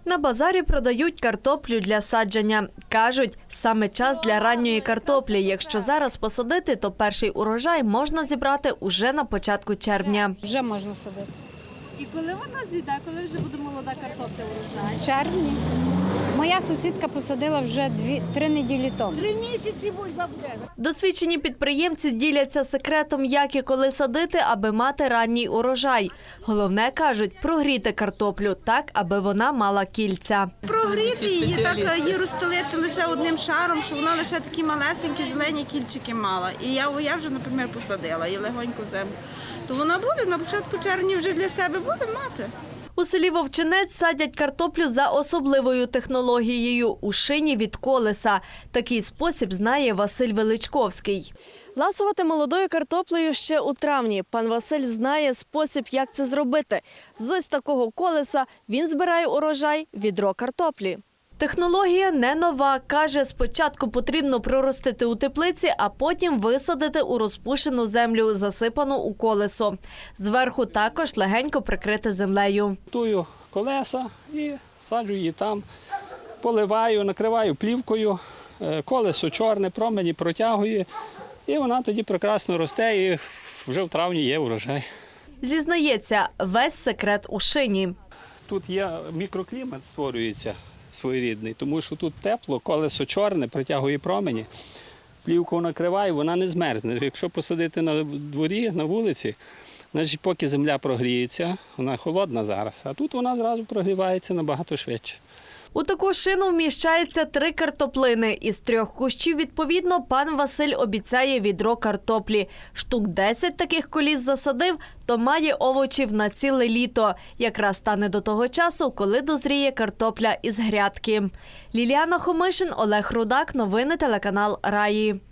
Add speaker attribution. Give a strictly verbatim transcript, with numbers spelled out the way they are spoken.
Speaker 1: На базарі продають картоплю для садження. Кажуть, саме час для ранньої картоплі. Якщо зараз посадити, то перший урожай можна зібрати уже на початку червня.
Speaker 2: Вже можна садити.
Speaker 3: І коли вона зійде, коли вже буде молода картопля урожай?
Speaker 2: В червні. Моя сусідка посадила вже дві, три неділі тому.
Speaker 3: Три місяці бульба буде.
Speaker 1: Досвідчені підприємці діляться секретом, як і коли садити, аби мати ранній урожай. Головне, кажуть, прогріти картоплю так, аби вона мала кільця.
Speaker 3: Прогріти її, так її розстелити лише одним шаром, щоб вона лише такі малесенькі зелені кільчики мала. І я, я вже, наприклад, посадила її легонько в землю. То вона буде, на початку червня вже для себе буде мати.
Speaker 1: У селі Вовчинець садять картоплю за особливою технологією – у шині від колеса. Такий спосіб знає Василь Величковський. Ласувати молодою картоплею ще у травні. Пан Василь знає спосіб, як це зробити. З ось такого колеса він збирає урожай – відро картоплі. Технологія не нова. Каже, спочатку потрібно проростити у теплиці, а потім висадити у розпушену землю, засипану у колесо. Зверху також легенько прикрити землею.
Speaker 4: Готую колеса і саджу її там, поливаю, накриваю плівкою, колесо чорне, промені протягує, і вона тоді прекрасно росте, і вже в травні є урожай.
Speaker 1: Зізнається, весь секрет у шині.
Speaker 4: Тут є мікроклімат, створюється своєрідний, тому що тут тепло, колесо чорне, притягує промені, плівку накриває, вона не змерзне. Якщо посадити на дворі, на вулиці, значить поки земля прогріється, вона холодна зараз, а тут вона зразу прогрівається набагато швидше.
Speaker 1: У таку шину вміщається три картоплини. Із трьох кущів, відповідно, пан Василь обіцяє відро картоплі. Штук десять таких коліс засадив, то має овочів на ціле літо. Якраз стане до того часу, коли дозріє картопля із грядки. Ліліана Хомишин, Олег Рудак. Новини телеканал Раї.